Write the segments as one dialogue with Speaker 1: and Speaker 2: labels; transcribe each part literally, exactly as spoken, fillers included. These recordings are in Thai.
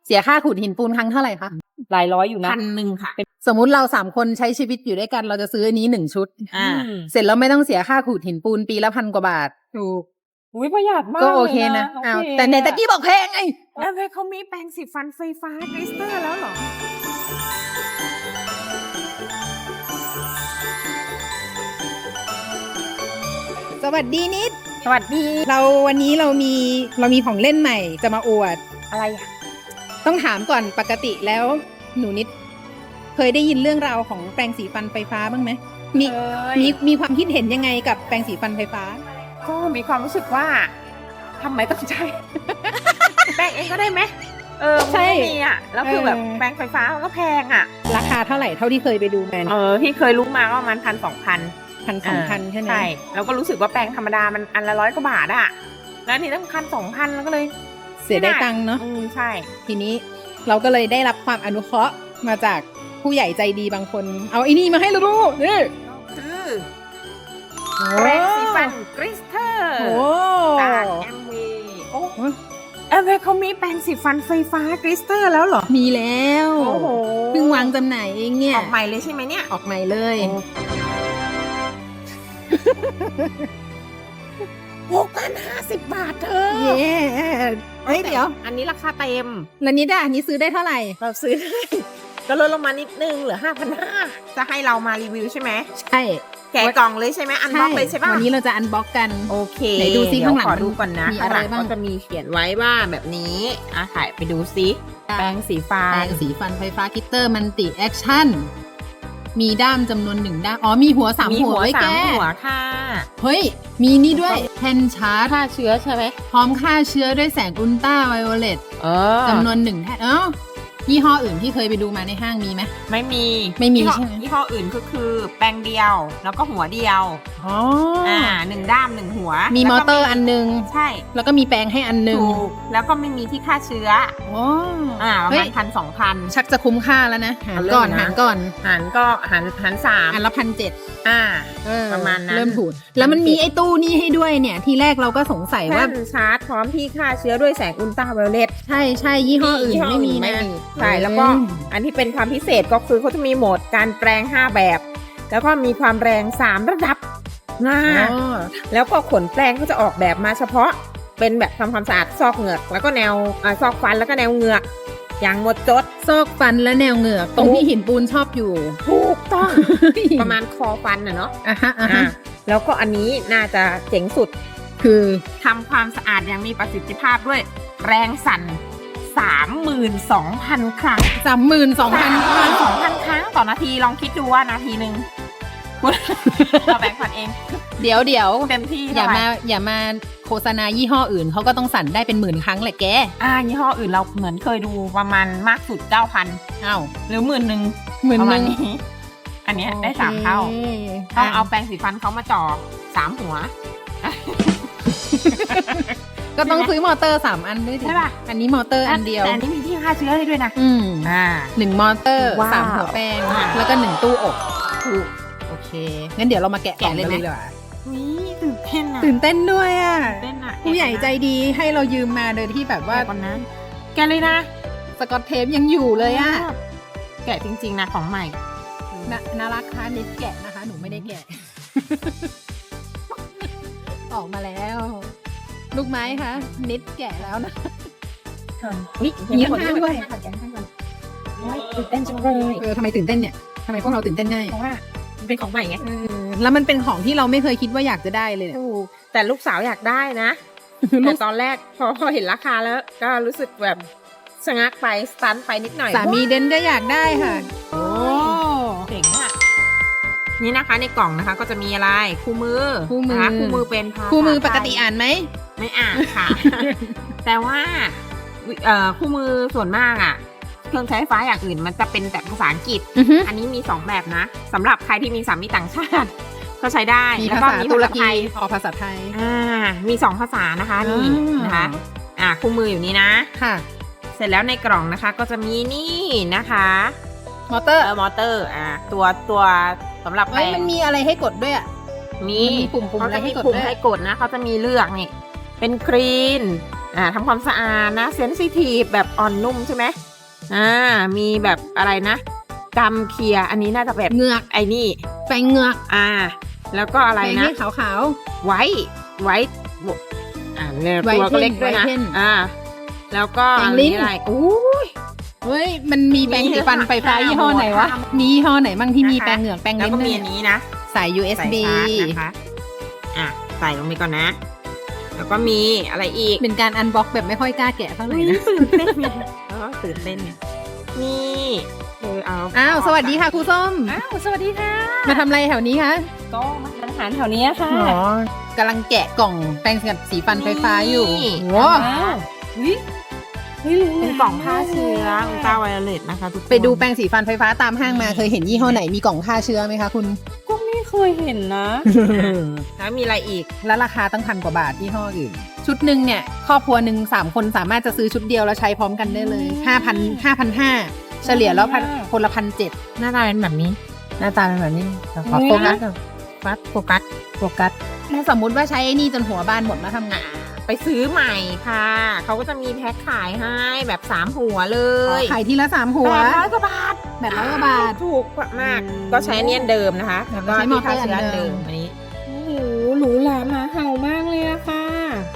Speaker 1: เสียค่าขูดหินปูนครั้งเท่าไหร่คะ
Speaker 2: หลายร้อยอยู่นะ
Speaker 3: พันหนึ่งค่ะ
Speaker 1: สมมุติเราสามคนใช้ชีวิตอยู่ด้วยกันเราจะซื้ออันนี้หนึ่งชุด
Speaker 3: อ่า
Speaker 1: เสร็จแล้วไม่ต้องเสียค่าขูดหินปูนปีละพันกว่าบาทถูก
Speaker 2: อุ้ยประหยัดมาก
Speaker 1: ก็โอเคนะ
Speaker 2: ลย
Speaker 1: อ้าว
Speaker 2: โอเค
Speaker 1: แต่ในตะกี้บอกแพงไง
Speaker 3: แล้วเฮ้ยเขามีแปรงสีฟันไฟฟ้ากริสเตอร์แล้วเหรอ
Speaker 1: สวัสดีนิด
Speaker 3: สวัสดี
Speaker 1: เราวันนี้เรามีเรามีของเล่นใหม่จะมาอวด
Speaker 3: อะไรอ่ะ
Speaker 1: ต้องถามก่อนปกติแล้วหนูนิด เคยได้ยินเรื่องราวของแปรงสีฟันไฟฟ้าบ้างไหมมี
Speaker 3: เอ้ย
Speaker 1: มีมีความคิดเห็นยังไงกับแปรงสีฟันไฟฟ้า
Speaker 3: ก็มีความรู้สึกว่าทำไมต้องใช้ แปรงเองก็ได้ไหมเออมัน
Speaker 1: ใช่
Speaker 3: ไม่มีอ่ะ แล้วคือแบบ
Speaker 1: เออ
Speaker 3: แปรงไฟฟ้ามันก็แพงอ่ะ
Speaker 1: ราคาเท่าไหร่เท่าที่เคยไปดูมา
Speaker 3: เออที่เคยรู้มาก็ประมาณพันสองพัน
Speaker 1: พันสองพันใช่ไหม
Speaker 3: ใช่แล้วก็รู้สึกว่าแปรงธรรมดามันอันละร้อยกว่าบาทอ่ะ แล้วอันนี่ต้องพันสองพันแล้วก็เลย
Speaker 1: เสียได้ตังค์เนาะ
Speaker 3: อืมใช่
Speaker 1: ทีนี้เราก็เลยได้รับความอนุเคราะห์มาจากผู้ใหญ่ใจดีบางคน เอาไอ้นี่มาให้เราดูนี่
Speaker 3: คือแปรงสีฟันกริสเตอร์
Speaker 1: โอ้
Speaker 3: จากแอมเวย์โอ้แอมเวย์เขามีแปรงสีฟันไฟฟ้ากริสเตอร์แล้วเหรอ
Speaker 1: มีแล้ว
Speaker 3: โอ้โห
Speaker 1: เพิ่งวางจำหน่ายเองเนี่ย
Speaker 3: ออกใหม่เลยใช่ไหมเนี่ย
Speaker 1: ออกใหม่เลย
Speaker 3: หกพันห้าสิบบาทเธอ
Speaker 1: เย้เฮ้ยเดี๋ยว
Speaker 3: อันนี้ราคาเต็ม
Speaker 1: แล้วนิดอะอันนี้ซื้อได้เท่าไหร่
Speaker 3: เราซื้อได้ ก็ลดลงมานิดนึงเหลือห้าพันห้าจะให้เรามารีวิวใช่ไหม
Speaker 1: ใช่
Speaker 3: แกะกล่องเลยใช่ไหมอันบ็อกเลยใช่ป่ะ
Speaker 1: วันนี้เราจะอันบ็อกกัน
Speaker 3: โอเค
Speaker 1: ไหนดูซิข้างหลัง
Speaker 3: เดี๋ยวขอดูก่อนนะ
Speaker 1: มีอะไร
Speaker 3: ข้างหลั
Speaker 1: บ้าง
Speaker 3: ก็จะมีเขียนไว้ว่าแบบนี้อ่ะถ่ายไปดูซิแปรงสีฟ้า
Speaker 1: แปรงสีฟันไฟฟ้าคิตเตอร์มันติแอคชั่น มีด้ามจำนวนหนึ่งด้าม อ๋อมีหัวสาม
Speaker 3: มี
Speaker 1: หัวไว้
Speaker 3: สา
Speaker 1: แก้
Speaker 3: มหัวค่ะ
Speaker 1: เฮ้ย มีนี่ด้วยแผ่นชาร์จ
Speaker 2: ฆ่าเชื้อใช่ไหม
Speaker 1: พร้อมฆ่าเชื้อด้วยแสงอุลตราไวโอเลต
Speaker 3: เออ
Speaker 1: จำนวนหนึ่งแท่นเอ้ายี่ห้ออื่นที่เคยไปดูมาในห้างมีไหม
Speaker 3: ไม่มี
Speaker 1: ไม่มี
Speaker 3: ยี่ห้อ
Speaker 1: ใช่ไหม
Speaker 3: ยี่ห้ออื่นก็คือแปรงเดียว แล้วก็หัวเดียว
Speaker 1: อ๋อ
Speaker 3: อ่าหนึ่งด้ามหนึ่งหัว
Speaker 1: มีม
Speaker 3: แล้ว
Speaker 1: อ
Speaker 3: ก็
Speaker 1: เตอร์อันนึง
Speaker 3: ใช่
Speaker 1: แล้วก็มีแปรงให้อันนึง
Speaker 3: ถูกแล้วก็ไม่มีที่ฆ่าเชื้อ
Speaker 1: อ๋อ
Speaker 3: อ่าประ
Speaker 1: เฮ้
Speaker 3: มาณ
Speaker 1: ย
Speaker 3: พันสองพัน
Speaker 1: ชักจะคุ้มค่าแล้วนะหาร
Speaker 3: เอาเริ่ม
Speaker 1: ก่อน
Speaker 3: นะ
Speaker 1: หารก่อน
Speaker 3: หันก็หันหันสาม
Speaker 1: อันละพันเจ็ด
Speaker 3: อ่า
Speaker 1: เออ
Speaker 3: ประมาณนั้น
Speaker 1: เริ่มถูกแล้วมันมีไอ้ตู้นี่ให้ด้วยเนี่ย ทีแรกเราก็สงสัยว่า
Speaker 3: แท่นชาร์จพร้อมที่ฆ่าเชื้อด้วยแสงอุลตราไวโอเลต
Speaker 1: ใช่ใช่ยี่ห้ออื่น
Speaker 3: ยี่ห้อ
Speaker 1: ไม่มี
Speaker 3: อื่นไม่
Speaker 1: นะ
Speaker 3: มีใช่แล้วก็
Speaker 1: อืม
Speaker 3: อันที่เป็นความพิเศษก็คือเขาจะมีโหมดการแปรงห้าแบบ แล้วก็มีความแรงสามระดับนะ
Speaker 1: อ๋อ
Speaker 3: แล้วก็ขนแปรงก็จะออกแบบมาเฉพาะ เป็นแบบทำความสะอาดซอกเหงือกแล้วก็แนวอ่าซอกฟันแล้วก็แนวเหงือกอย่างหมดจด
Speaker 1: ซอกฟันและแนวเหงือกตรงที่หินปูนชอบอยู่
Speaker 3: ถูกต้อง ประมาณคอฟันน่ะเนาะ
Speaker 1: อ่ะฮะอ่ะฮะ
Speaker 3: อ่าแล้วก็อันนี้น่าจะเจ๋งสุด
Speaker 1: คือ
Speaker 3: ทำความสะอาดอย่างมีประสิทธิภาพด้วยแรงสั่น สามหมื่นสองพัน ครั้ง
Speaker 1: สามหมื่นสองพัน
Speaker 3: สองพันครั้งต่อนาทีลองคิดดูว่านาทีหนึ่ง เราแบ่งพันเอง
Speaker 1: เดี๋ยวเดี๋ยว
Speaker 3: เต็มที่
Speaker 1: อย่า
Speaker 3: เท่ไหร่
Speaker 1: มาอย่ามาโฆษณายี่ห้ออื่นเขาก็ต้องสั่นได้เป็นหมื่นครั้งแหละแก
Speaker 3: อ่ายี่ห้ออื่นเราเหมือนเคยดูประมาณมากสุด เก้าพัน
Speaker 1: อ้าว
Speaker 3: หรือหมื่นหนึ่ง
Speaker 1: หมื่น
Speaker 3: ประ
Speaker 1: ห
Speaker 3: มาณ
Speaker 1: นึ่ง
Speaker 3: นี้ อันเนี้ยได้สามเท่า
Speaker 1: โค
Speaker 3: ต้องเอาแปรงสีฟันเขามาจ่อสามหัว
Speaker 1: ก็ต้องซื้อมอเตอร์สามอันด้วยสิ
Speaker 3: ใช่ป่ะ
Speaker 1: อันนี้มอเตอร์อันเดียว
Speaker 3: แต่อันนี้มีที่ฆ่าเชื้อให้ด้วยนะ
Speaker 1: อืม
Speaker 3: อ่า
Speaker 1: หนึ่งมอเตอร์
Speaker 3: ว้าว
Speaker 1: สามหัวแป้ง
Speaker 3: อ่า
Speaker 1: แล้วก็หนึ่งตู้อบ
Speaker 3: ถูก
Speaker 1: โอเค งั้นเดี๋ยวเรามาแกะ
Speaker 3: แกะเลยไหม
Speaker 1: กองกันดีกว่า
Speaker 3: นี่ตื่นเต้นอ่ะ
Speaker 1: ตื่นเต้นด้วยอ่ะ
Speaker 3: เต้นอ่ะ
Speaker 1: ผู้ใหญ่ใจดีให้เรายืมมาโดยที่แบบว่า
Speaker 3: แกะก่อนนะแกะเลยนะ
Speaker 1: สกอตเทปยังอยู่เลยอ่ะ
Speaker 3: แกะจริงๆนะของใหม่
Speaker 1: น่าน่ารักค่ะนิดแกะนะคะ หนูไม่ได้แกะ ออกมาแล้ว ลูกไม้คะนิดแกะแล้วนะ
Speaker 3: นี่
Speaker 1: มีข้างหน้าด้วย
Speaker 3: แกะข้างก่อนโอ้ยตื่นเต้นจังเลย
Speaker 1: เออทำไมตื่นเต้นเนี่ยทำไมพวกเราตื่นเต้นง่าย
Speaker 3: เพราะว่ามันเป็นของใหม่ไง
Speaker 1: เออแล้วมันเป็นของที่เราไม่เคยคิดว่าอยากจะได้เลยเนี่ย
Speaker 3: ถูกแต่ลูกสาวอยากได้นะ
Speaker 1: ลู
Speaker 3: แต่
Speaker 1: ก
Speaker 3: ตอนแรกพอพอเห็นราคาแล้ว ก็รู้สึกแบบชะงักไปสตันไปนิดหน่อย
Speaker 1: สามีเดนก็อยากได้ค่ะ โอ้
Speaker 3: เจ๋งอะนี่นะคะในกล่องนะคะ ก็จะมีอะไรคู่มือ
Speaker 1: คู่มือ
Speaker 3: นะคะคู่มือเป็นภาษา
Speaker 1: คู่มือปก
Speaker 3: ไทย
Speaker 1: ติอ่านไหม
Speaker 3: ไม่อ่านค่ะ แต่ว่าวิเอ่อคู่มือส่วนมากอะเครื่องใช้ไฟฟ้าอย่างอื่นมันจะเป็นแต่ภาษาอังกฤษ
Speaker 1: อือฮึ
Speaker 3: อันนี้มีสองแบบนะสำหรับใครที่มีสามีต่างชาติ ก็ใช้ได้
Speaker 1: มี
Speaker 3: แล้ว
Speaker 1: ภา
Speaker 3: ก็
Speaker 1: ษา
Speaker 3: มี
Speaker 1: ตุร
Speaker 3: ภาษา
Speaker 1: กี
Speaker 3: ไทย
Speaker 1: ออกภาษาไทย
Speaker 3: อ่ามีสองภาษานะคะนี่
Speaker 1: อ่าน
Speaker 3: นะคะอ่าคู่มืออยู่นี่นะ
Speaker 1: ค่ะ
Speaker 3: เสร็จแล้วในกล่องนะคะ ก็จะมีนี่นะคะ
Speaker 1: มอเตอร์
Speaker 3: เออมอเตอร์อ่าตัวตัวสำหรับแป
Speaker 1: เอ้
Speaker 3: ร
Speaker 1: ย
Speaker 3: ง
Speaker 1: มันมีอะไรให้กดด้วยอ่ะ
Speaker 3: มี
Speaker 1: มันมีปุ่มๆ
Speaker 3: เขา
Speaker 1: อะไร
Speaker 3: จะ
Speaker 1: ให้
Speaker 3: มี
Speaker 1: กด
Speaker 3: ปุ่ม
Speaker 1: ด้วย
Speaker 3: ให้กดนะเขาจะมีเลือกนี่เป็นกรีนอ่าทำความสะอาดนะเซนซิทีฟแบบอ่อนนุ่มใช่ไหมอ่ามีแบบอะไรนะกำเคลียร์อันนี้น่าจะแบบ
Speaker 1: เหงือก
Speaker 3: ไอ้นี่
Speaker 1: แปรงเหงือก
Speaker 3: อ่า แล้วก็อะไร
Speaker 1: แปรง
Speaker 3: นะ
Speaker 1: ให้ขาว
Speaker 3: ไว้ไว้อ่าเนี่ย
Speaker 1: ไว้
Speaker 3: ตัวก็เล็ก
Speaker 1: เพ่น
Speaker 3: ด้วยนะ
Speaker 1: ไว้เพ่น
Speaker 3: อ่า แล้วก็
Speaker 1: แปรง
Speaker 3: อัน
Speaker 1: ลิ้น
Speaker 3: นี้อะไรอู้ย
Speaker 1: ๆเฮ้ยมันมีแปรงสีฟันไฟฟ้า
Speaker 3: มี
Speaker 1: ยี่ห้อไหนวะ
Speaker 3: ค่ะ
Speaker 1: มียี่ห้อไหนบ้างที่มี
Speaker 3: นะคะ
Speaker 1: แปรงเหงือกแปรง
Speaker 3: แล้ว
Speaker 1: ลิ้น
Speaker 3: ก็มี
Speaker 1: ด้วย
Speaker 3: อันนี้นะ
Speaker 1: สาย ยู เอส
Speaker 3: ใส่
Speaker 1: บี
Speaker 3: ชาร์จนะคะอ่ะใส่ลงไปก่อนนะ แล้วก็มีอะไรอีก
Speaker 1: เป็นการอันบ็อกแบบไม่ค่อยกล้าแกะเท่าไหร่นะ
Speaker 3: ตื่นเต้นไงแล้วก็ตื่นเต้นไงนี่เออเอา
Speaker 1: อ้าวสวัสดีค่ะครูส้ม
Speaker 2: อ้าวสวัสดีค่ะ
Speaker 1: มาทำอะไรแถวนี้คะ
Speaker 2: ก็มาทานอาหารแถวนี้ค่ะ
Speaker 1: อ๋อกำลังแกะกล่องแปรงสีฟันไฟฟ้าอยู่โอ้
Speaker 2: อ้าววิวิรู้
Speaker 3: เป็นกล่องฆ่าเชื้ออุลตราไวโอเลตนะคะทุกคน
Speaker 1: ไปดูแปรงสีฟันไฟฟ้าตามห้างมาเคยเห็นยี่ห้อไหนมีกล่องฆ่าเชื้อไหมคะคุณ
Speaker 2: ก็ไม่เคยเห็นนะ
Speaker 3: แล้วมีอะไรอีก
Speaker 1: แล้วราคาตั้งพันกว่าบาทยี่ห้ออื่น ชุดหนึ่งเนี่ยครอบครัวหนึ่งสามคนสามารถจะซื้อชุดเดียวแล้วใช้พร้อมกันได้เลยห้าพันห้าพันห้าเฉลี่ยแล้วพันคนละพันเจ็ด
Speaker 3: หน้าตาเป็นแบบนี้
Speaker 1: หน้าตาเป็นแบบนี้ขอ
Speaker 2: เฮ้ย
Speaker 1: โฟกัสก่อน
Speaker 3: ฟัดโฟกัส
Speaker 1: โฟกัสถ้าสมมุติว่าใช้ไอ้นี่จนหัวบานหมดแล้วทำไง
Speaker 3: ไปซื้อใหม่ค่ะ เขาก็จะมีแพ็คขายให้แบบสามหัวเลย
Speaker 1: ขายทีละสามหัว
Speaker 3: แปดร้อยกว่าบาท
Speaker 1: แปดร้อยกว่าบาท
Speaker 3: ถูกมาก ก็ใช้เนียนเดิมนะคะ แล้วก็
Speaker 1: ใช้มอ
Speaker 3: ที่
Speaker 1: เตอ
Speaker 3: ฆ่า
Speaker 1: ร์อัน
Speaker 3: เชื้อ
Speaker 1: เดิ
Speaker 3: เดิ
Speaker 1: ม
Speaker 3: มอันนี้
Speaker 2: โอ้โหหรูหราหมาเห่ามากเลยอะค่ะ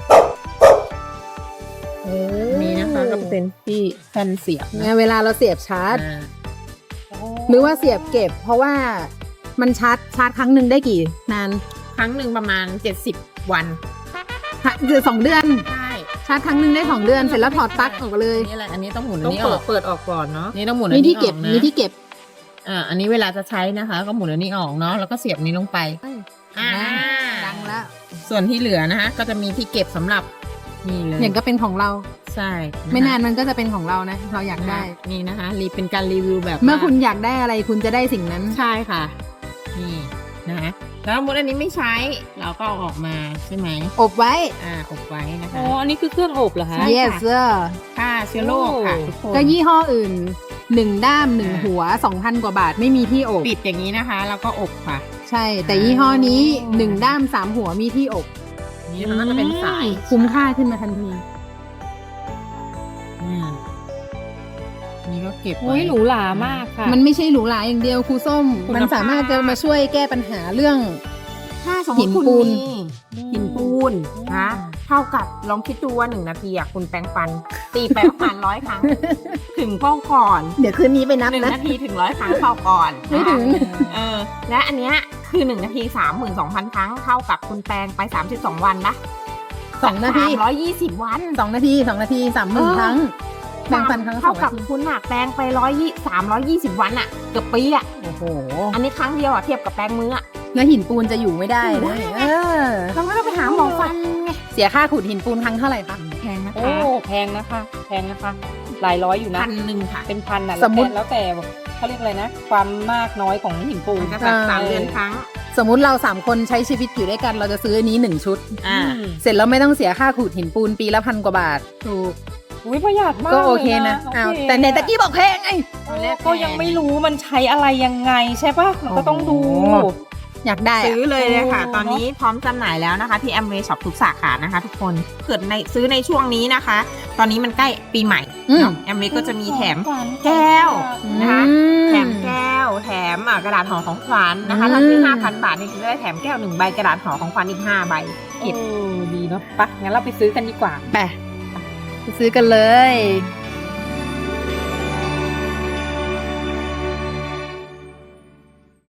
Speaker 3: นี่นะคะก็เป็นที่แผ่นเสียบ
Speaker 1: เนี่ยเวลาเราเสียบชาร์จ
Speaker 3: อ่า
Speaker 1: หรือว่าเสียบเก็บ เพราะว่ามันชาร์จชาร์จครั้งหนึ่งได้กี่นาน
Speaker 3: ครั้งหนึ่งประมาณเจ็ดสิบวัน
Speaker 1: คือสองเดือน
Speaker 3: ใช่
Speaker 1: ชาร์จครั้งหนึ่งได้สองเดือนเสร็จแล้วถอดปลั๊กออกเลย
Speaker 3: นี่อะไรอันนี้ต้องหมุนอั
Speaker 2: ต้
Speaker 3: น
Speaker 2: อง
Speaker 3: นี้อ
Speaker 2: เปิ
Speaker 3: อ
Speaker 2: ด
Speaker 3: ก
Speaker 2: เปิดออกก่อนเนาะ
Speaker 3: นี่ต้องหมุนอัน
Speaker 1: มี
Speaker 3: นี้
Speaker 1: ที่
Speaker 3: อ
Speaker 1: เก็
Speaker 3: อบ กนะ
Speaker 1: มีที่เก็บ
Speaker 3: อ่าอันนี้เวลาจะใช้นะคะ ก็หมุนอันนี้ออกเนาะแล้วก็เสียบนี้ลงไปอ่า
Speaker 1: ดังแล้ว
Speaker 3: ส่วนที่เหลือนะคะก็จะมีที่เก็บสำหรับนี่เลย
Speaker 1: อย่างก็เป็นของเรา
Speaker 3: ใช่ะคะ
Speaker 1: ไม่นานมันก็จะเป็นของเรานะ เราอยากได้
Speaker 3: นี่นะคะรีเป็นการรีวิวแบบ
Speaker 1: เมื่อ
Speaker 3: ว่า
Speaker 1: คุณอยากได้อะไรคุณจะได้สิ่งนั้น
Speaker 3: ใช่ค่ะ นี่นะคะแล้วสมมติอันนี้ไม่ใช้เราก็เอาออกมาใช่ไหม
Speaker 1: อบไว้
Speaker 3: อ่าอบไว้นะคะ
Speaker 2: อ๋อ อันนี้คือเครื่องอบเหรอคะ
Speaker 3: ใช่
Speaker 1: yes sir
Speaker 3: ฆ่าเชื้อโรคค่ะทุกคน
Speaker 1: ก็ยี่ห้ออื่นหนึ่งด้ามหนึ่ง
Speaker 3: อ่า
Speaker 1: หัวสองพันกว่าบาทไม่มีที่อบ
Speaker 3: ปิดอย่างนี้นะคะแล้วก็อบค่ะ
Speaker 1: ใช่ แต่ยี่ห้อนี้หนึ่งด้ามสามหัวมีที่อบ
Speaker 3: นี่มันก็จะเป็นสาย
Speaker 1: คุ้มค่าขึ้นมาทันที
Speaker 3: อืมนี่ก็เก็บ
Speaker 2: โอ้
Speaker 3: ไว้
Speaker 2: ยหรูหรามากค่ะ
Speaker 1: มันไม่ใช่หรูหราอย่างเดียวครูส้ม
Speaker 3: คุณภาพ
Speaker 1: มันสามารถจะมาช่วยแก้ปัญหาเรื่อง
Speaker 3: ถ้าสมม
Speaker 1: หิ
Speaker 3: ติ
Speaker 1: น
Speaker 3: คุณ
Speaker 1: ปูน
Speaker 3: มีหินปูนนะเท่ากับลองคิดดูว่าหนึ่งนาทีอ่ะคุณแปรงฟัน ตีไปประมาณร้อยครั้ง ถึงเป้าก่อน
Speaker 1: เดี๋ยวคืนนี้ไปนับ
Speaker 3: หนึ่ง
Speaker 1: นะ
Speaker 3: นาทีถึงร้อยครั้งเป้าก่อน
Speaker 1: ไม่ถึง
Speaker 3: เออ และอันเนี้ยคือหนึ่งนาทีสามหมื่นสองพันครั้งเท่ากับคุณแปรงไปสามสิบสองวันนะ
Speaker 1: สองนาที
Speaker 3: ร้อยยี่สิบวัน
Speaker 1: สองนาทีสองนาทีสามหมื่น
Speaker 3: เออ
Speaker 1: ครั้งแปรงฟันครั้งละส
Speaker 3: เท่า
Speaker 1: อง
Speaker 3: กั
Speaker 1: นา
Speaker 3: บ
Speaker 1: ที
Speaker 3: คุณอะแปรงไปร้อยยี่สามร้อยยี่สิบวันอะเกือบปีอะ
Speaker 1: โอ้โห
Speaker 3: อันนี้ครั้งเดียวอะเทียบกับแปรงมืออะ
Speaker 1: แล้วหินปูนจะอยู่ไม่ได้
Speaker 3: อยู่
Speaker 1: นะ
Speaker 3: ได้ไง
Speaker 1: เออ
Speaker 3: เราก็ต้องไปหาหมอฟันไง
Speaker 1: เสียค่าขูดหินปูนครั้งเท่าไหร่คะ
Speaker 3: แพงนะ
Speaker 2: โอ้
Speaker 3: คะ
Speaker 2: แพงนะคะ แพงนะคะ หลายร้อยอยู่นะ
Speaker 3: พันหนึ่งค่ะ
Speaker 2: เป็นพันอ่ะ
Speaker 1: สมมุติ
Speaker 2: แล้วแต่แล้วแต่เขาเรียกอะไรนะ ความมากน้อยของหินปูน
Speaker 3: มันจะแบบสามเดือนครั้ง
Speaker 1: สมมุติเราสามคนใช้ชีวิตอยู่ด้วยกันเราจะซื้ออันนี้หนึ่งชุด
Speaker 3: อ่า
Speaker 1: เสร็จแล้วไม่ต้องเสียค่าขูดหินปูนปีละพันกว่าบาทถูก
Speaker 2: อุ้ยประหยัดมาก
Speaker 1: ก็โอเค
Speaker 2: ลย
Speaker 1: นะ
Speaker 2: โอ
Speaker 1: อ้าว
Speaker 2: เค
Speaker 1: แต่ในตะกี้บอกแพงไง
Speaker 2: เออก็ยังไม่รู้มันใช้อะไรยังไงใช่ปะมันก็ต้องดู
Speaker 1: โอ้ อยากได้อะ
Speaker 3: ซื้อเลยเลยค่ะ
Speaker 2: โอ้
Speaker 3: ตอนนี้พร้อมจำหน่ายแล้วนะคะ ที่ Amway Shop ทุกสาขานะคะ ทุกคนเกิดในซื้อในช่วงนี้นะคะ ตอนนี้มันใกล้ปีใหม่
Speaker 1: อืม
Speaker 3: เนาะ Amway ก็จะมีแถม
Speaker 2: ของขวัญ
Speaker 3: แก้ว นะคะ
Speaker 1: อืม
Speaker 3: แถมแก้ว แถมอ่ะกระดาษห่อของขวัญนะคะ
Speaker 1: อืม
Speaker 3: ถ้าซื้อห้าพันบาทนี่จะได้แถมแก้วหนึ่งใบกระดาษห่อของขวัญอีกห้าใบ
Speaker 2: เออดีเนาะไปะงั้นเราไปซื้อกันดีกว่า
Speaker 1: ไปไปซื้อกันเลย
Speaker 3: อ